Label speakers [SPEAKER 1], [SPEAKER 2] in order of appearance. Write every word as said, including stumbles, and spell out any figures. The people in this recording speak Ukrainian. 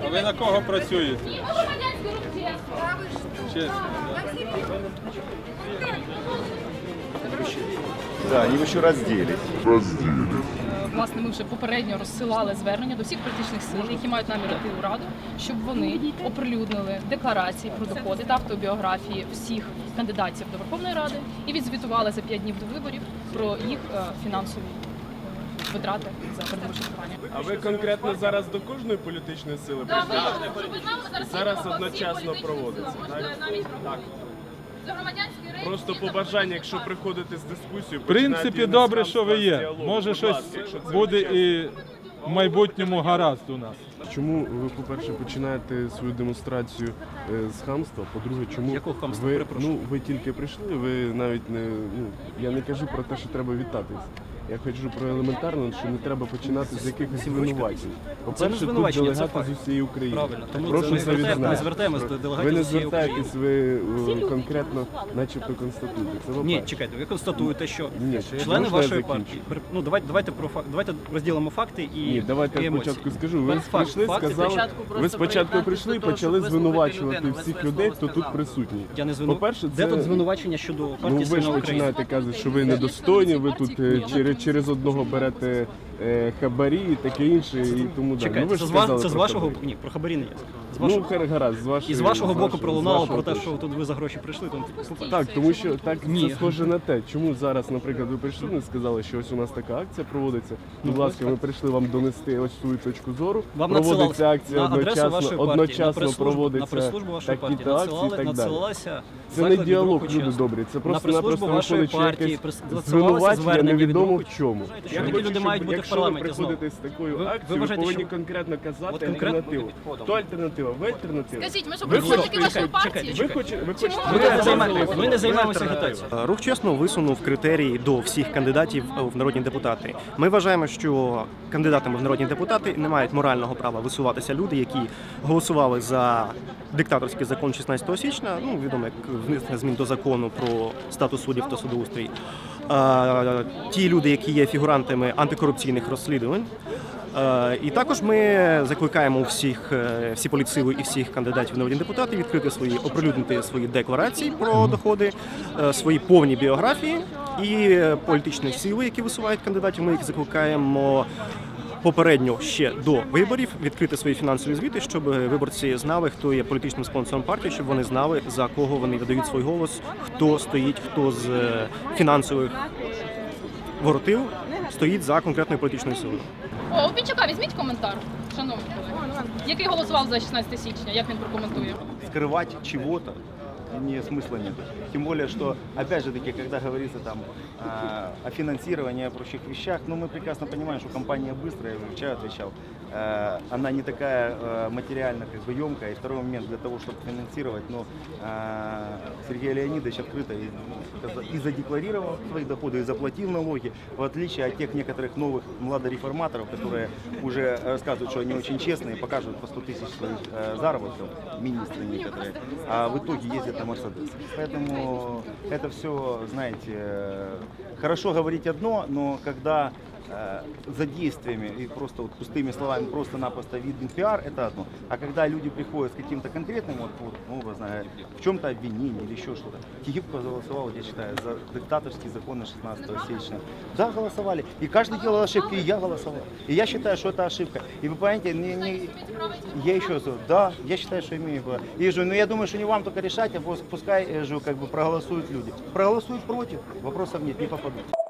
[SPEAKER 1] А ви на кого працюєте? Чесно.
[SPEAKER 2] Да, они еще разделись.
[SPEAKER 3] Власне, ми вже попередньо розсилали звернення до всіх політичних сил, які мають намір йти у Раду, щоб вони оприлюднили декларації про доходи та автобіографії всіх кандидатів до Верховної Ради і відзвітували за п'ять днів до виборів про їх фінансові витрати за передвиборчу кампанію.
[SPEAKER 4] А ви конкретно зараз до кожної політичної сили прийшли? Зараз одночасно проводиться, так? Так. Просто побажання, якщо приходите з дискусією,
[SPEAKER 1] В принципі, добре, що ви є. Може, щось буде і в майбутньому гаразд у нас.
[SPEAKER 4] Чому ви, по-перше, починаєте свою демонстрацію з хамства? По-друге, чому ви, ну, ви тільки прийшли, ви навіть не, ну, я не кажу про те, що треба вітатись. Я кажу про елементарно, що не треба починати з якихось звинувачень. По-перше, тут делегати з усієї України.
[SPEAKER 5] Правильно. Тому
[SPEAKER 4] прошу це відзнати.
[SPEAKER 5] Ми звертаємось до делегатів
[SPEAKER 4] Ви не
[SPEAKER 5] з усієї України.
[SPEAKER 4] звертаєтесь, ви конкретно, начебто, констатуєте. Це
[SPEAKER 5] Ні, чекайте, ви констатуєте, що
[SPEAKER 4] Ні,
[SPEAKER 5] члени
[SPEAKER 4] можна я
[SPEAKER 5] вашої
[SPEAKER 4] закінчу?
[SPEAKER 5] партії, ну давайте, давайте про факт, давайте розділимо факти і
[SPEAKER 4] Ні, давайте
[SPEAKER 5] і
[SPEAKER 4] я
[SPEAKER 5] емоції.
[SPEAKER 4] спочатку скажу. Ви
[SPEAKER 5] Факт,
[SPEAKER 4] прийшли,
[SPEAKER 5] факти,
[SPEAKER 4] сказали,
[SPEAKER 5] спочатку
[SPEAKER 4] ви спочатку прийшли і почали звинувачувати всіх людей, хто тут присутній.
[SPEAKER 5] Я не звину...
[SPEAKER 4] По-перше,
[SPEAKER 5] Де
[SPEAKER 4] це...
[SPEAKER 5] тут звинувачення щодо
[SPEAKER 4] Ну
[SPEAKER 5] партії
[SPEAKER 4] ви ж
[SPEAKER 5] «Сильна Україна»?
[SPEAKER 4] починаєте казати, що ви недостойні, ви тут е, через, через одного берете е, хабарі і таке інше, і тому далі.
[SPEAKER 5] Чекайте,
[SPEAKER 4] Ну, ви ж
[SPEAKER 5] це, з, ва-
[SPEAKER 4] сказали
[SPEAKER 5] це з
[SPEAKER 4] про
[SPEAKER 5] вашого...
[SPEAKER 4] хабарі.
[SPEAKER 5] Ні, про хабарі не є. З
[SPEAKER 4] Ну,
[SPEAKER 5] вашого...
[SPEAKER 4] хар- гаразд, з вашої...
[SPEAKER 5] І з вашого
[SPEAKER 4] з
[SPEAKER 5] боку
[SPEAKER 4] вашого-
[SPEAKER 5] пролунало
[SPEAKER 4] з вашого
[SPEAKER 5] про те,
[SPEAKER 4] точки.
[SPEAKER 5] що тут ви за гроші прийшли. Тому...
[SPEAKER 4] Так, тому що так
[SPEAKER 5] Ні.
[SPEAKER 4] це схоже на те, чому зараз, наприклад, ви прийшли і сказали, що ось у нас така акція проводиться. Будь ласка, ми прийшли вам донести ось свою точку зору.
[SPEAKER 5] Вам
[SPEAKER 4] Проводиться
[SPEAKER 5] надсилали
[SPEAKER 4] акція
[SPEAKER 5] на адресу
[SPEAKER 4] одночасно,
[SPEAKER 5] вашої партії,
[SPEAKER 4] одночасно
[SPEAKER 5] на прес-службу, на
[SPEAKER 4] проводиться
[SPEAKER 5] прес-службу вашої партії
[SPEAKER 4] такі-то акції і
[SPEAKER 5] надсилали,
[SPEAKER 4] так далі.
[SPEAKER 5] надсилалася
[SPEAKER 4] Це не
[SPEAKER 5] заклик від
[SPEAKER 4] діалог,
[SPEAKER 5] руху
[SPEAKER 4] люди
[SPEAKER 5] чесу.
[SPEAKER 4] добрі. Це
[SPEAKER 5] На
[SPEAKER 4] просто-напросто
[SPEAKER 5] прес-службу вашої
[SPEAKER 4] виходить, що
[SPEAKER 5] партії
[SPEAKER 4] якесь
[SPEAKER 5] прис- надсилалося
[SPEAKER 4] звинувачення
[SPEAKER 5] звернення від
[SPEAKER 4] невідомо
[SPEAKER 5] руху
[SPEAKER 4] в чому.
[SPEAKER 5] Що
[SPEAKER 4] Я
[SPEAKER 5] такі
[SPEAKER 4] хочу,
[SPEAKER 5] люди
[SPEAKER 4] щоб
[SPEAKER 5] мають бути в
[SPEAKER 4] якщо ви
[SPEAKER 5] парламенті знову?
[SPEAKER 4] приходите з такою
[SPEAKER 5] Ви- ви
[SPEAKER 4] акцією, ви
[SPEAKER 5] вважаєте,
[SPEAKER 4] повинні
[SPEAKER 5] що-
[SPEAKER 4] конкретно
[SPEAKER 5] От
[SPEAKER 4] казати
[SPEAKER 5] конкретно-
[SPEAKER 4] альтернативу. Хто альтернатива? Ви альтернатива?
[SPEAKER 3] Скажіть, ми що,
[SPEAKER 4] Ви
[SPEAKER 3] представники
[SPEAKER 4] хочете-
[SPEAKER 3] вашої
[SPEAKER 5] чекайте,
[SPEAKER 3] партії?
[SPEAKER 4] Ви хочете, ви хочете,
[SPEAKER 5] Ми не
[SPEAKER 4] ви
[SPEAKER 5] займаємося- Ми не
[SPEAKER 4] ви
[SPEAKER 5] займаємося
[SPEAKER 4] альтернатива.
[SPEAKER 5] агітацією.
[SPEAKER 6] Рух чесно висунув критерії до всіх кандидатів в народні депутати. Ми вважаємо, що кандидатами в народні депутати не мають морального права висуватися люди, які голосували за диктаторський закон шістнадцятого січня, ну відомо як внесення змін до закону про статус суддів та судоустрій. А, ті люди, які є фігурантами антикорупційних розслідувань. Е, І також ми закликаємо всіх, е, всі політсили і всіх кандидатів в народні депутати відкрити свої, оприлюднити свої декларації про доходи, е, свої повні біографії і політичні сили, які висувають кандидатів. Ми їх закликаємо попередньо ще до виборів відкрити свої фінансові звіти, щоб виборці знали, хто є політичним спонсором партії, щоб вони знали, за кого вони видають свій голос, хто стоїть, хто з е, фінансових воротил стоїть за конкретною політичною силою.
[SPEAKER 3] О, у Пінчука візьміть коментар, шановні колеги. Який голосував за шістнадцяте січня, як він прокоментує?
[SPEAKER 2] Скрывать чего-то не смысла нет. Тем более, что, опять же таки, когда говорится там э, о финансировании, о прочих вещах, ну мы прекрасно понимаем, что компания быстрая, я уже вчера отвечал, э, она не такая э, материально как бы емкая. И второй момент, для того, чтобы финансировать, ну, э, Сергей Леонидович открыто и, и задекларировал свои доходы, и заплатил налоги, в отличие от тех некоторых новых младореформаторов, которые уже рассказывают, что они очень честные, покажут по сто тысяч своих э, заработков, министры некоторые, а в итоге ездят на Мерседес. Поэтому это все, знаете, э, хорошо говорить одно, но когда э, за действиями и просто вот пустыми словами просто-напросто виден пиар, это одно. А когда люди приходят с каким-то конкретным, вот, вот, ну, образно, в чем-то обвинением или еще что-то. Тихипко голосовал, я считаю, за диктаторские законы шестнадцатого сечня. Да, голосовали. И каждый делал ошибки, и я голосовал. И я считаю, что это ошибка. И вы понимаете, не, не... я еще раз говорю, да, я считаю, что имею право. И же, но я думаю, что не вам только решать, а пускай же, как бы, проголосуют люди. Проголосуют против, вопросов нет, не попадут.